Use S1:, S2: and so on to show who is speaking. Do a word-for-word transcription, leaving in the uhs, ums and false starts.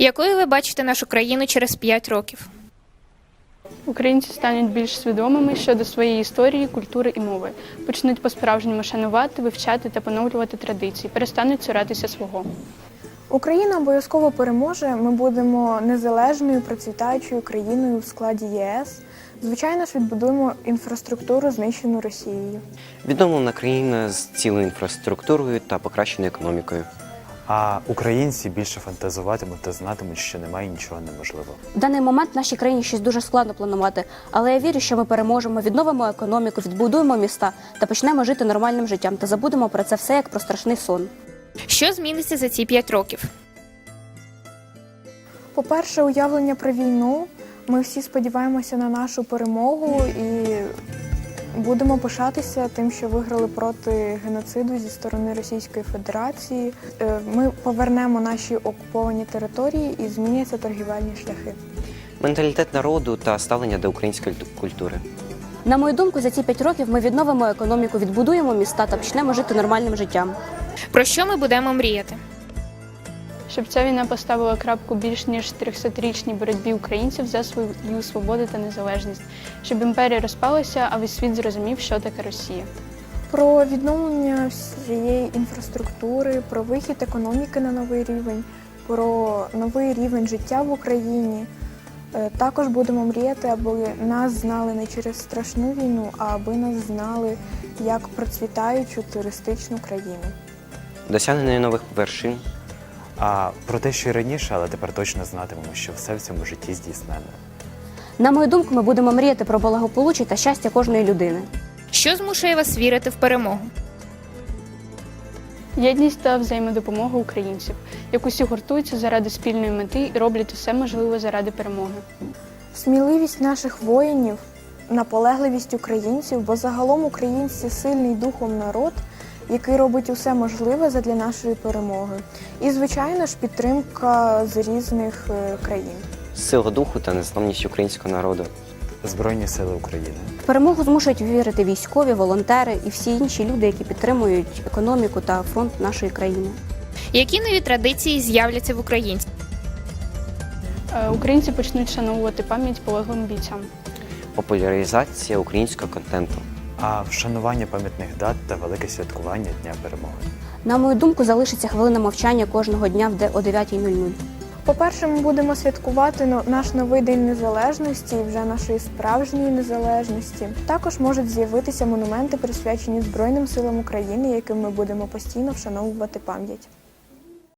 S1: Якою ви бачите нашу країну через п'ять років?
S2: Українці стануть більш свідомими щодо своєї історії, культури і мови. Почнуть по-справжньому шанувати, вивчати та поновлювати традиції, перестануть цуратися свого.
S3: Україна обов'язково переможе, ми будемо незалежною, процвітаючою країною в складі ЄС. Звичайно ж, відбудуємо інфраструктуру, знищену Росією.
S4: Відновлена країна з цілою інфраструктурою та покращеною економікою.
S5: А українці більше фантазуватимуть та знатимуть, що немає нічого неможливого.
S6: В даний момент в нашій країні щось дуже складно планувати, але я вірю, що ми переможемо, відновимо економіку, відбудуємо міста та почнемо жити нормальним життям та забудемо про це все як про страшний сон.
S1: Що зміниться за ці п'ять років?
S3: По-перше, уявлення про війну. Ми всі сподіваємося на нашу перемогу і будемо пишатися тим, що виграли проти геноциду зі сторони Російської Федерації. Ми повернемо наші окуповані території і зміняться торгівельні шляхи.
S4: Менталітет народу та ставлення до української культури.
S6: На мою думку, за ці п'ять років ми відновимо економіку, відбудуємо міста та почнемо жити нормальним життям.
S1: Про що ми будемо мріяти?
S2: Щоб ця війна поставила крапку більш ніж трьохсотрічній боротьбі українців за свою свободу та незалежність. Щоб імперія розпалася, а весь світ зрозумів, що таке Росія.
S3: Про відновлення всієї інфраструктури, про вихід економіки на новий рівень, про новий рівень життя в Україні. Також будемо мріяти, аби нас знали не через страшну війну, а аби нас знали як процвітаючу туристичну країну.
S4: Досягнення нових вершин.
S5: А про те, що й раніше, але тепер точно знатимемо, що все в цьому житті здійснено.
S6: На мою думку, ми будемо мріяти про благополуччя та щастя кожної людини.
S1: Що змушує вас вірити в перемогу?
S2: Єдність та взаємодопомога українців, як усі гуртуються заради спільної мети і роблять усе можливе заради перемоги.
S3: Сміливість наших воїнів, наполегливість українців, бо загалом українці сильний духом народ, який робить усе можливе задля нашої перемоги. І, звичайно ж, підтримка з різних країн.
S4: Сила духу та незламність українського народу.
S5: Збройні сили України.
S6: В перемогу змушують вірити військові, волонтери і всі інші люди, які підтримують економіку та фронт нашої країни.
S1: Які нові традиції з'являться в українців?
S2: Українці почнуть шановувати пам'ять полеглим бійцям.
S4: Популяризація українського контенту.
S5: А вшанування пам'ятних дат та велике святкування Дня перемоги.
S6: На мою думку, залишиться хвилина мовчання кожного дня о дев'ятій нуль нуль.
S3: По-перше, ми будемо святкувати наш новий День Незалежності і вже нашої справжньої незалежності. Також можуть з'явитися монументи, присвячені Збройним силам України, яким ми будемо постійно вшановувати пам'ять.